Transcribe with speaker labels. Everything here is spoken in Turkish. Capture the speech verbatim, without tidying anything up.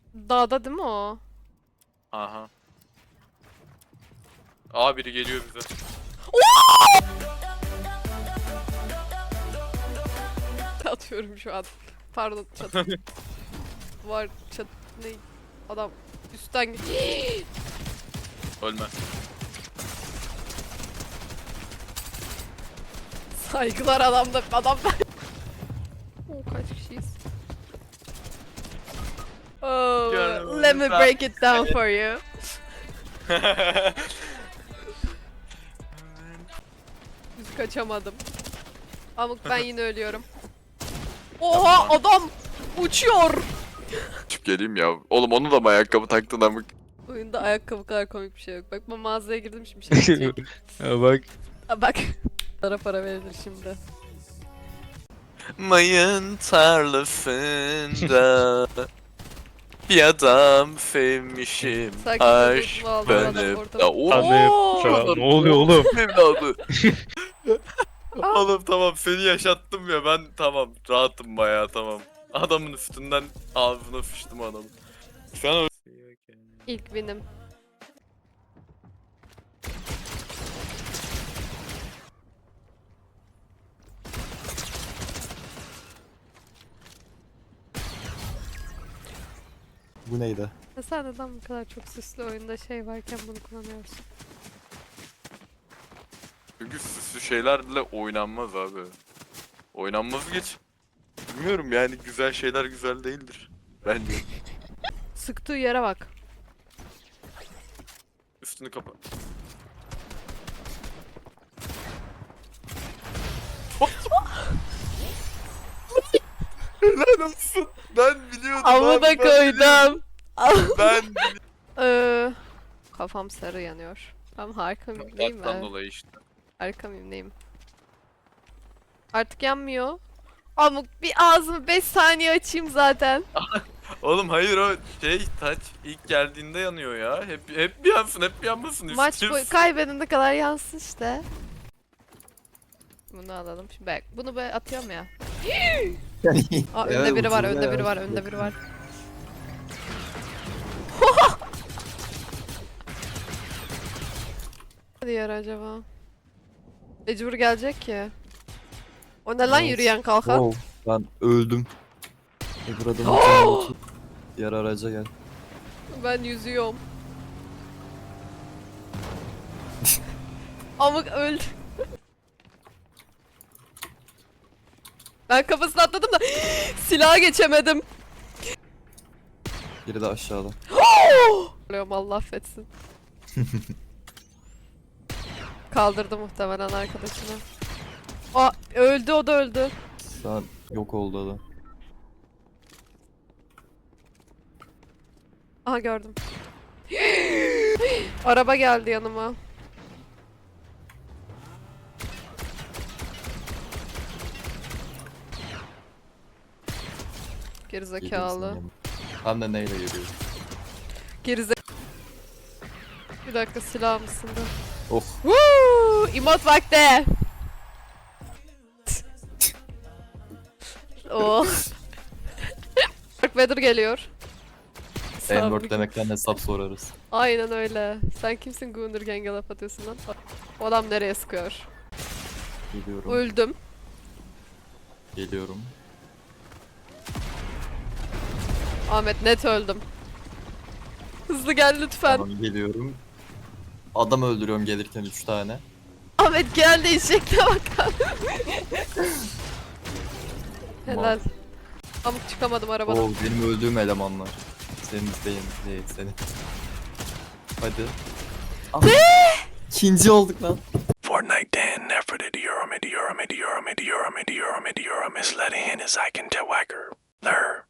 Speaker 1: Dağda değil mi o?
Speaker 2: Aha. Aa biri geliyor bize.
Speaker 1: Atıyorum şu an. Pardon çat. Var çat ne? Adam üstten ge-
Speaker 2: Ölme.
Speaker 1: Saygılar adamda adam. Oo, kaç kişiyiz? Oh,
Speaker 2: Canım,
Speaker 1: let me
Speaker 2: lütfen.
Speaker 1: break it down for you. Düz kaçamadım. Amık ben yine ölüyorum. Oha adam uçuyor.
Speaker 2: Çık geleyim ya. Oğlum onu da mı ayakkabı taktın amık?
Speaker 1: Oyunda ayakkabı kadar komik bir şey yok. Bak ben mağazaya girdim şimdi şey diyecek.
Speaker 3: Ya bak.
Speaker 1: Ha, bak. Para para verilir şimdi.
Speaker 2: Mayın tarlasında bir adam sevmişim.
Speaker 1: Sakin
Speaker 2: Aşk
Speaker 1: ol, aldım adam
Speaker 2: benim.
Speaker 1: ortada.
Speaker 2: Ya, oo!
Speaker 3: Anne ya, ne oluyor oğlum?
Speaker 2: Evladı. Oğlum tamam seni yaşattım ya ben tamam rahatım bayağı tamam. Adamın üstünden ağzına fıştım adamı. Şu an
Speaker 1: İlk benim.
Speaker 4: Bu neydi?
Speaker 1: Ya sen neden bu kadar çok süslü oyunda şey varken bunu kullanıyorsun?
Speaker 2: çünkü süslü şeylerle oynanmaz abi. Oynanmaz geç. Bilmiyorum yani güzel şeyler güzel değildir. Bence.
Speaker 1: Sıktığı yere bak.
Speaker 2: Üstünü kapat. Helal olsun. Ben biliyordum.
Speaker 1: Amına
Speaker 2: abi, ben biliyordum.
Speaker 1: koydum.
Speaker 2: Ben
Speaker 1: Ee, kafam sarı yanıyor. Tamam harika mıyım neyim
Speaker 2: Ondan
Speaker 1: ben?
Speaker 2: dolayı işte.
Speaker 1: Harika mıyım neyim? Artık yanmıyor. Amık bir ağzımı beş saniye açayım zaten.
Speaker 2: Oğlum hayır o şey taç ilk geldiğinde yanıyor ya. Hep hep bir yansın hep bir yanmasın
Speaker 1: Maç
Speaker 2: istiyorsun.
Speaker 1: boyu kaybedene kadar yansın işte. Bunu alalım. Şimdi bak bunu böyle atıyorum ya. Aa, önde
Speaker 4: Evet,
Speaker 1: biri var,
Speaker 4: ucunda
Speaker 1: önde
Speaker 4: ya.
Speaker 1: biri var, önde biri var. Ne diyor acaba? Mecbur gelecek ki. O ne lan
Speaker 4: Evet.
Speaker 1: yürüyen kalkan?
Speaker 4: Wow, ben öldüm. Öbür adamın canına otur. Diğer araca gel.
Speaker 1: Ben yüzüyorum. Amık öldü. Ben kafasına atladım da silaha geçemedim.
Speaker 4: Biri de aşağıda.
Speaker 1: Oluyorum Allah affetsin. Kaldırdı muhtemelen arkadaşını. Aa öldü o da öldü.
Speaker 4: Şu an yok oldu adam.
Speaker 1: Aha gördüm. Araba geldi yanıma. Gerizekalı.
Speaker 4: Geliyor sana. Hem de neyle geliyor?
Speaker 1: Gerize... Bir dakika silah mısın da?
Speaker 4: Of.
Speaker 1: Woo! İmot vakti. Oh. Dark Vader geliyor.
Speaker 4: N-word
Speaker 1: Sabri-
Speaker 4: demekten hesap sorarız.
Speaker 1: Aynen öyle. Sen kimsin Gunnergang'e laf atıyorsun lan? O adam nereye sıkıyor?
Speaker 4: Geliyorum.
Speaker 1: Öldüm.
Speaker 4: Geliyorum.
Speaker 1: Ahmet net öldüm. Hızlı gel lütfen.
Speaker 4: Tamam geliyorum. Adam öldürüyorum gelirken üç tane.
Speaker 1: Ahmet gel de eşekle bakalım. Helal. Amık çıkamadım arabadan.
Speaker 4: Oo benim öldüğüm elemanlar. Senin değil, değil senin. Hadi. Ne? İkinci olduk lan.
Speaker 5: Fortnite Dan nefret ediyorum ediyorum ediyorum ediyorum ediyorum ediyorum is letting in as I can tell Wacker. There.